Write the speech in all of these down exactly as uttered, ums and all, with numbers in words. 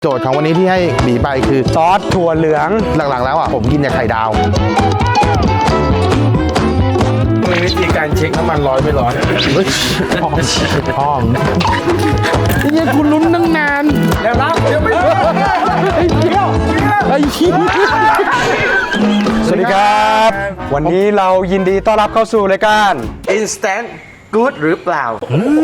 โจทย์ของวันนี้ที่ให้บีไปคือซอสถั่วเหลืองหลักๆแล้วอ่ะผมกินแต่ไข่ดาวมีวิธีการเช็คน้ำมันร้อยไม่ร้อยพ่อพ่อเนี่ยคุณลุ้นตั้งนานแล้วรับเดี๋ยวไม่ไอ้เหี้ยไอ้เหี้ยสวัสดีครับวันนี้เรายินดีต้อนรับเข้าสู่รายการ instant good หรือเปล่า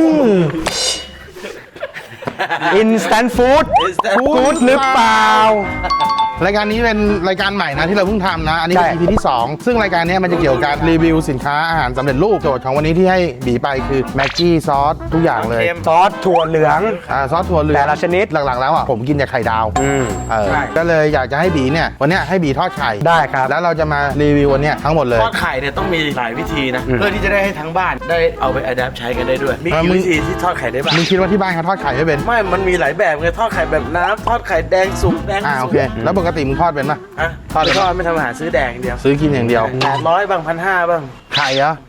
Instant Food Good หรือเปล่ารายการนี้เป็นรายการใหม่นะที่เราเพิ่งทำนะ อันนี้เป็น อี พี ที่สองซึ่งรายการนี้มันจะเกี่ยวกับการรีวิวสินค้าอาหารสำเร็จรูปโจทย์ของวันนี้ที่ให้บีไปคือแม็กกี้ซอสทุกอย่างเลยซอสถั่วเหลืองอ่าซอสถั่วเหลืองแต่ละชนิดหลักๆแล้วอ่ะผมกินแต่ไข่ดาวเออก็เลยอยากจะให้บีเนี่ยวันนี้ให้บีทอดไข่ได้ครับแล้วเราจะมารีวิววันนี้ทั้งหมดเลยทอดไข่เนี่ยต้องมีหลายวิธีนะเพื่อที่จะได้ให้ทั้งบ้านได้เอาไปอัดแอปใช้กันได้ด้วยมีกี่วิธีที่ทอดไข่ได้บ้างมึงคิดว่าที่บ้านเขาทอดไข่ไม่เป็นไม่มันมีหลายแบบไงทอดไข่แบบน้ำทอดไข่แดงสุกแดงอ่าโอเคแล้วปกติมึงทอดเป็นปะฮะทอดทอดไม่ทำอาหารซื้อแดงอย่างเดียวซื้อกินอย่างเดียวแปดร้อยบ้างพันห้าบ้างไข่เหรอ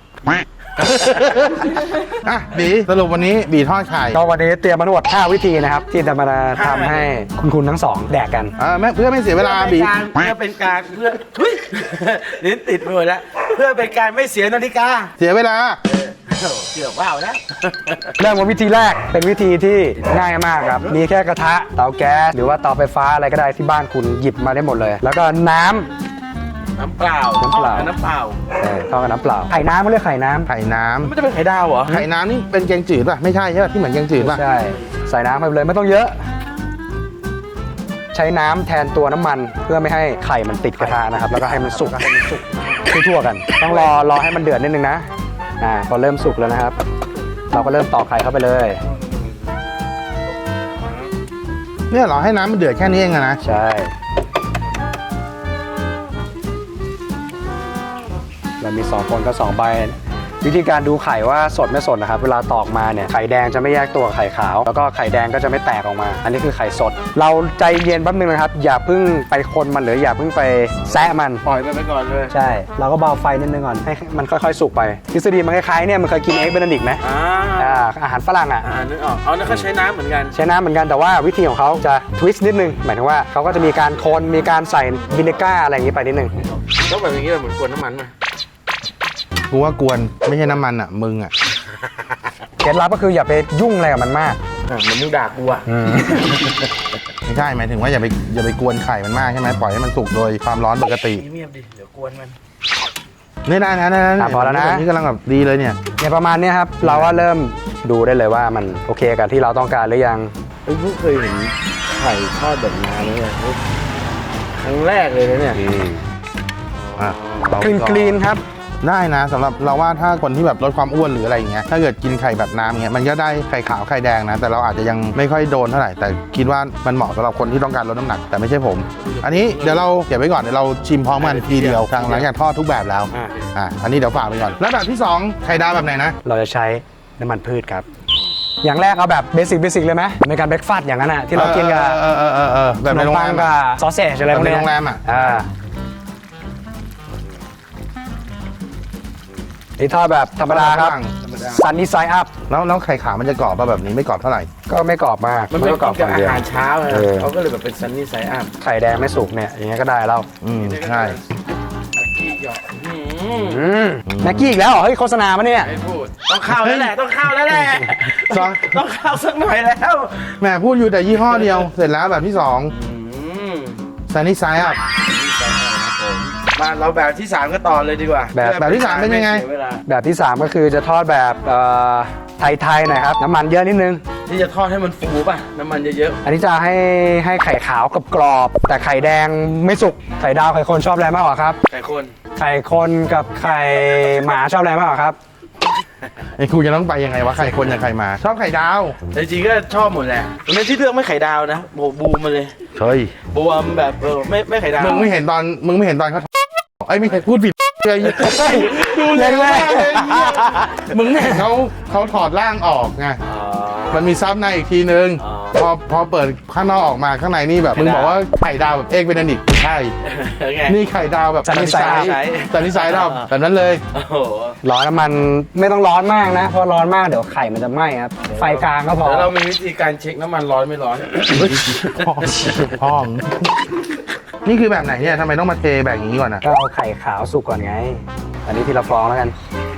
อ่ะบีสรุปวันนี้บีทอดไข่ก็วันนี้เตรียมมาทั้งหมดห้าวิธีนะครับที่จะมาทำให้คุณคุณทั้งสองแดกกันอ่าเพื่อไม่เสียเวลาบีเพื่อเป็นการเพื่อลิ้นติดไปหมดแล้วเพื่อเป็นการไม่เสียนาฬิกาเสียเวลาเกือบว่าวนะเริ่มวิธีแรกเป็นวิธีที่ง่ายมากครับมีแค่กระทะเตาแก๊สหรือว่าเตาไฟฟ้าอะไรก็ได้ที่บ้านคุณหยิบมาได้หมดเลยแล้วก็น้ำน้ำเปล่าน้ำเปล่าน้ำเปล่าใช่ทอดกับน้ำเปล่าไข่น้ำเขาเรียกไข่น้ำไข่น้ำมันจะเป็นไข่ดาวเหรอไข่น้ำนี่เป็นแกงจืดป่ะไม่ใช่ใช่ป่ะที่เหมือนแกงจืดป่ะใช่ใส่น้ำไปเลยไม่ต้องเยอะใช้น้ำแทนตัวน้ำมันเพื่อไม่ให้ไข่มันติดกระทะนะครับแล้วก็ให้มันสุกให้มันสุกทั่วๆกันต้องรอรอให้มันเดือดนิดนึงนะอ่าพอเริ่มสุกแล้วนะครับเราก็เริ่มตอกไข่เข้าไปเลยเนี่ยเหรอให้น้ำมันเดือดแค่นี้เองนะใช่เรามีสองคนก็สองใบวิธีการดูไข่ว่าสดไม่สดนะครับเวลาตอกมาเนี่ยไข่แดงจะไม่แยกตัวไข่ขาวแล้วก็ไข่แดงก็จะไม่แตกออกมาอันนี้คือไข่สดเราใจเย็นแป๊บนึงนะครับอย่าเพิ่งไปคนมันหรืออย่าเพิ่งไปแซะมันปล่อยมันไปก่อนเลยใช่เราก็เบาไฟนิดนึงก่อนให้มันค่อยๆสุกไปทฤษฎีมันคล้ายๆเนี่ยมันเคยกินเอ็กเบนเดดิกไหมอ่าอาหารฝรั่งอ่ะอ่านึกออกเอาแล้วเขาใช้น้ำเหมือนกันใช้น้ำเหมือนกันแต่ว่าวิธีของเขาจะทวิสต์นิดนึงหมายถึงว่าเขาก็จะมีการคนมีการใส่วินิก้าอะไรอย่างนี้ไปนิดนึงแล้วแบบอย่างนี้เหมือนกวนน้ำมันไหมกูว่ากวนไม่ใช่น้ำมันอ่ะมึงอ่ะเคล็ดลับก็คืออย่าไปยุ่งอะไรกับมันมากอ่ะมันมึงด่ากูอ่ะไม่ใช่หมายถึงว่าอย่าไปอย่าไปกวนไข่มันมากใช่ไหมปล่อยให้มันสุกโดยความร้อนปกติเงียบดิเดี๋ยวกวนมันนี่ได้นะนะพอแล้วนะนี่กำลังแบบดีเลยเนี่ยเนี่ยประมาณนี้ครับเราก็เริ่มดูได้เลยว่ามันโอเคกับที่เราต้องการหรือยังเอ้ยเพิ่งเคยเห็นไข่ทอดแบบน้ำเลยครั้งแรกเลยนะเนี่ยกรีนกรีนครับได้นะสำหรับเราว่าถ้าคนที่แบบลดความอ้วนหรืออะไรอย่างเงี้ยถ้าเกิดกินไข่แบบน้ำเงี้ยมันก็ได้ไข่ขาวไข่แดงนะแต่เราอาจจะยังไม่ค่อยโดนเท่าไหร่แต่คิดว่ามันเหมาะสำหรับคนที่ต้องการลดน้ำหนักแต่ไม่ใช่ผมอันนี้เดี๋ยวเราเก็บไว้ก่อนเดี๋ยวเราชิมพร้อมกันทีเดียวหลังจากทอดทุกแบบแล้วอ่าอันนี้เดี๋ยวฝากไปก่อนแล้วแบบที่สองไข่ดาวแบบไหนนะเราจะใช้น้ำมันพืชครับอย่างแรกเอาแบบเบสิกเบสิกเลยไหมในการเบรกฟาสต์อย่างนั้นอ่ะที่เรากินกับแบบในโรงแรมกับซอสเซจอะไรพวกนี้ในโรงแรมอ่ะนี่ทอดแบบธรรมดาครับซันนี่ไซด์อัพแล้วแล้วไข่ขาวมันจะกรอบป่ะแบบนี้ไม่กรอบเท่าไหร่ก็ไม่กรอบมากมันไม่กรอบกับอาหารเช้าเลยเขาก็เลยแบบเป็นซันนี่ไซด์อัพไข่แดงไม่สุกเนี่ยอย่างเงี้ยก็ได้แล้วอืมใช่แม็กกี้อีกแล้วเหรอเฮ้ยโฆษณาปะเนี่ยไม่พูดต้องเข้าแล้วแหละต้องเข้าแล้วแหละต้องเข้าสักหน่อยแล้วแหมพูดอยู่แต่ยี่ห้อเดียวเสร็จแล้วแบบที่สองซันนี่ไซด์อัพมาเราแบบที่สามก็ต่อเลยดีกว่าแบบแบบที่สามเป็นยังไงแบบที่สามก็คือจะทอดแบบไทยๆหน่อยครับน้ำมันเยอะนิดนึงที่จะทอดให้มันฟูป่ะน้ำมันเยอะๆอันนี้จะให้ให้ไข่ขาวกับกรอบแต่ไข่แดงไม่สุกไข่ดาวไข่คนชอบอะไรมากกว่าครับไข่คนไข่คนกับไข่หมาชอบอะไรมากกว่าครับไอ้ครูจะต้องไปยังไงวะไข่คนกับไข่หมาชอบไข่ดาวจริงๆก็ชอบหมดแหละไม่ที่เลือกไม่ไข่ดาวนะโบบูมมาเลยเฮ้ยบูมแบบเออไม่ไม่ไข่ดาวมึงไม่เห็นตอนมึงไม่เห็นตอนเขาไอ้ไม่เคยพูดผิดเลยดูเลยแม่มึงไม่เห็นเขาเขาถอดร่างออกไงมันมีซับในอีกทีนึงพอพอเปิดข้างนอกออกมาข้างในนี่แบบมึงบอกว่าไข่ดาวแบบเอกเบนดิกใช่ไงนี่ไข่ดาวแบบสันนิษฐานสันนิษฐานเราแบบนั้นเลยโอ้โหร้อนน้ำมันไม่ต้องร้อนมากนะเพราะร้อนมากเดี๋ยวไข่มันจะไหม้ครับไฟกลางก็พอแล้วเรามีวิธีการเช็คน้ำมันร้อนไม่ร้อนพ่อพ่อมนี่คือแบบไหนเนี่ยทำไมต้องมาเทแบบอย่างนี้ก่อนนะก็เอาไข่ขาวสุกก่อนไง อันนี้ทีละฟองแล้วกัน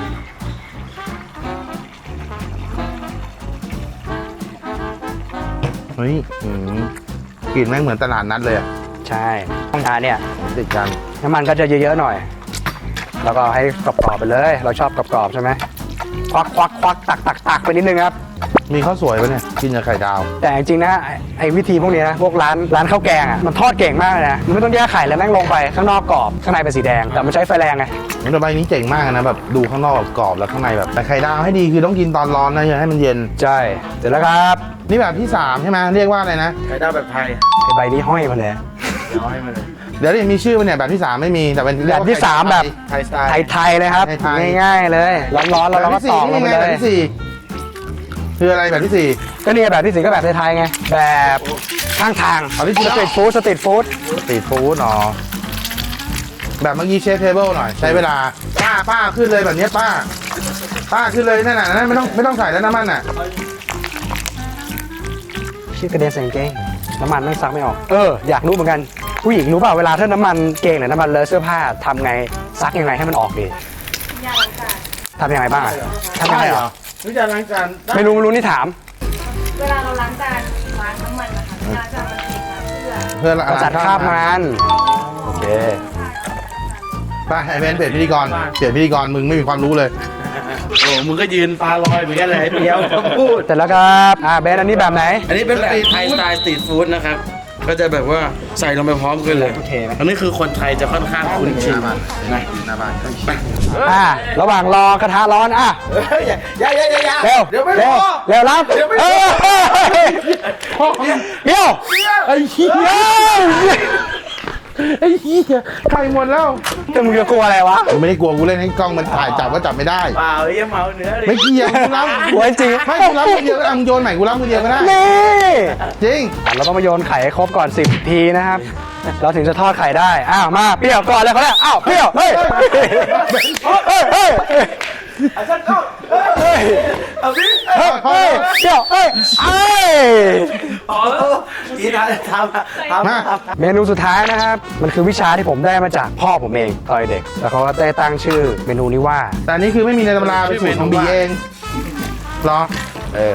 เฮ้ยอืมกลิ่นแม่งเหมือนตลาดนัดเลยอะใช่อ่าเนี่ยติดกันน้ำมันก็จะเยอะๆหน่อย แล้วก็ให้กรอบๆไปเลย เราชอบกรอบๆใช่ไหมควักควักควักตักตักตักไปนิดนึงครับมีข้าวสวยปะเนี่ยกินกับไข่ดาวแต่จริงๆนะไอ้ไอ้วิธีพวกนี้นะพวกร้านร้านข้าวแกงอ่ะมันทอดเก่งมากเลยนะมันไม่ต้องแยกไข่แล้วแม่งลงไปข้างนอกกรอบข้างในเป็นสีแดงแต่มันใช้ไฟแรงไงแต่ใบนี้เจ๋งมากนะแบบดูข้างนอกกรอบแล้วข้างในแบบแต่ไข่ดาวให้ดีคือต้องกินตอนร้อนนะอย่าให้มันเย็นใช่เสร็จแล้วครับนี่แบบที่สามใช่ไหมเรียกว่าอะไรนะไข่ดาวแบบไทยไอ้ใบนี้ห้อยมาเลยเดี๋ยวให้มาเลยเดี๋ยวนี้มีชื่อมันเนี่ยแบบที่สามไม่มีแต่เป็นแบบที่สามแบบไทยสไตล์ไทยๆเลยครับไทยๆง่ายๆเลยร้อนๆแล้วเราก็ตอกลงไปแบเลบยที่สี่คืออะไรแบบที่สี่ก็เนี่ยแบบที่สี่ก็แบบไทยๆไงแบบข้างทางเอาที่สี่สตรีทฟู้ดสตรีทฟู้ดสตรีทฟู้ดเนาะแบบเมื่อกี้เชฟเทเบิลหน่อยใช้เวลาป้าป้าขึ้นเลยแบบนี้ป้า ป้าขึ้นเลยนั่นน่ะนั่นไม่ต้องไม่ต้องใส่แล้วน้ำมันน่ะชื่อกระเด็นใส่กางเกงน้ำมันไม่ซักไม่ออกเอออยากรู้เหมือนกันผู้หญิงรู้เปล่าเวลาถ้าน้ำมันเกงหรือน้ำมันเลอะเสื้อผ้าทำไงซักยังไงให้มันออกดียาล้างจานทำยังไงบ้างอะทำยังไงเหรอวิจารณ์ล้างจานได้ไม่รู้ไม่รู้นี่ถามเวลาเราล้างจานล้างน้ำมันนะคะล้างจานมันติดมาเพื่อเพื่อนกระจัดคราบมันโอเคป้าไอเบนเปลี่ยนพิธีกรเปลี่ยนพิธีกรมึงไม่มีความรู้เลยโอ้มึงก็ยืนตาลอยเหมือนกันเลยเดียวพูดเสร็จแล้วครับอ่าเบนอันนี้แบบไหนอันนี้เป็นแบบไทยสไตล์สตรีทฟู้ดนะครับ ก็จะแบบว่าใส่ลงไปพร้อมกันเลยโอเคไหมอันนี้คือคนไทยจะค่อนข้างคุ้นชินนะหน้าบ้านอ่าระหว่างรอกระทะร้อนอ่ะอย่าอย่าอย่าอย่าเร็วเดี๋ยวไม่เร็พวอเร็วรับเออเดี๋ยวไอ้เหี้ยไอ้เหี้ยไข่หมดแล้วจะมึงจะกลัวอะไรวะกูไม่ได้กลัวกูเล่นให้กล้องมันถ่ายจับก็จับไม่ได้เปล่าไอ้เมาเนื้อเลยไม่เกี่ยวกูรับกลัวจริงไม่กูรับมือเดียวก็ได้มึงโยนใหม่กูรับมือเดียวก็ได้นี่จริงอ่ะเราต้องมาโยนไข่ให้ครบก่อนสิบทีนะครับ เราถึงจะทอดไข่ได้ อ้าว มาเปรี้ยวก่อนเลยเขาเนี่ยอ้าว เปรี้ยว เฮ้ย เฮ้ย เฮ้ยเอาสักก้อนเฮ้ยเอาสิเฮ้ย เฮ้ย เปรี้ยว เฮ้ยเอ้ยพอแล้วอีนะทำทำมาทำเมนูสุดท้ายนะครับ มันคือวิชาที่ผมได้มาจากพ่อผมเองตอนเด็ก แล้วเขาก็ได้ตั้งชื่อเมนูนี้ว่าแต่อันนี้คือไม่มีในตำราเป็นสูตรของบีเองเหรอเออ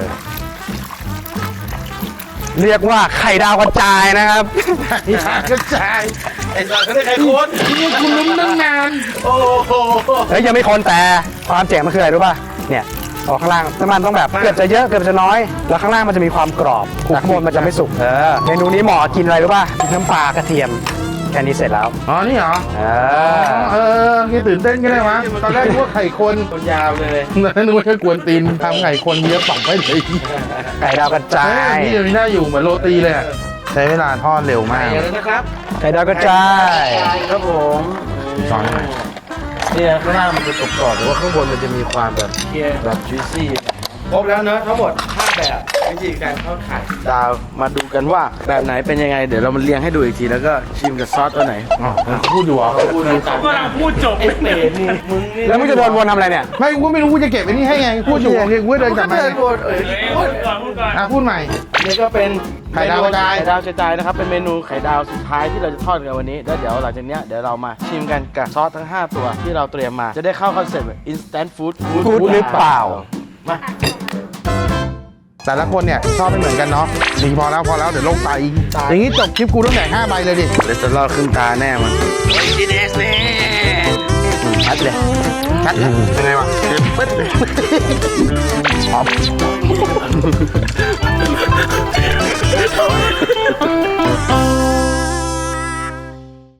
เรียกว่าไข่ดาวกระจายนะครับไอ้ชากระจายไอ้สัตว์เขาได้ใครโคนนี่คุณลุ้นตั้งนานโอ้โหเฮ้ยยังไม่คนแต่ความเจ๋งมันคืออะไรรู้ป่ะ เนี่ยออกข้างล่างน้ำมันต้องแบบเกือบจะเยอะเกือบจะน้อย แล้วข้างล่างมันจะมีความกรอบแต่ข้างบนมันจะไม่สุก เออ เมนูนี้เหมาะกินอะไรรู้ป่ะน้ำปลากระเทียม แค่นี้เสร็จแล้วอ๋อ นี่เหรอเอเอออที่ตื่นเต้นก็ได้วะตอนแรกนึกว่าไข่คนคนยาวเลยนึกว่าแค่กวนตีนทำไข่คนเยอะปักไปเลยไก่ดาวกระจาเฮ้ยยนี่เดี๋ยวนี้น่าอยู่เหมือนโรตีเลยอะใช้เวลาทอดเร็วไปมากเลยนะครับไก่ดาวกระจายครับผมสอนหน่อยเนี่ยข้างล่างมันจะตกกรอบแต่ว่าข้างบนมันจะมีความแบบเคี่ยวแบบจุยซี่ครบแล้วเนอะทั้งหมดห้าแบบวิธีการทอดไข่ดาวมาดูกันว่าแบบไหนเป็นยังไงเดี๋ยวเรามาเรียงให้ดูอีกทีแล้วก็ชิมกับซอสตัวไหนอ๋อพูดอยู่เหรอพูดดูกันกำลังพูดจบไอ้เป็ดนี่มึงนี่แล้วมึงจะโดนวนทำอะไรเนี่ยไม่กูก็ไม่รู้กูจะเก็บไว้นี่ให้ไงพูดอยู่เนี่ยกูก็เดินกลับมาเดินวนเอ้ยพูดอ่ะพูดใหม่นี่ก็เป็นไข่ดาวกระจายไข่ดาวกระจายนะครับเป็นเมนูไข่ดาวสุดท้ายที่เราจะทอดกันวันนี้แล้วเดี๋ยวหลังจากเนี้ยเดี๋ยวเรามาชิมกันกับซอสทั้งห้าตัวที่เราเตรียมมาจะได้เข้าคอนเซ็ปต์ instant food พูดหรือเปล่ามาแต่ละคนเนี่ยชอบไม่เหมือนกันเนาะดีพอแล้วพอแล้วเดี๋ยวโลกตายอีกอย่างนี้จบคลิปกูต้องแดกห้าใบเลยดิเดี๋ยวจะรอดขึ้นตาแน่มันกินเอสแน่ชัดเลยชัดเลยยังไงวะปึ๊ดเลยพร้อม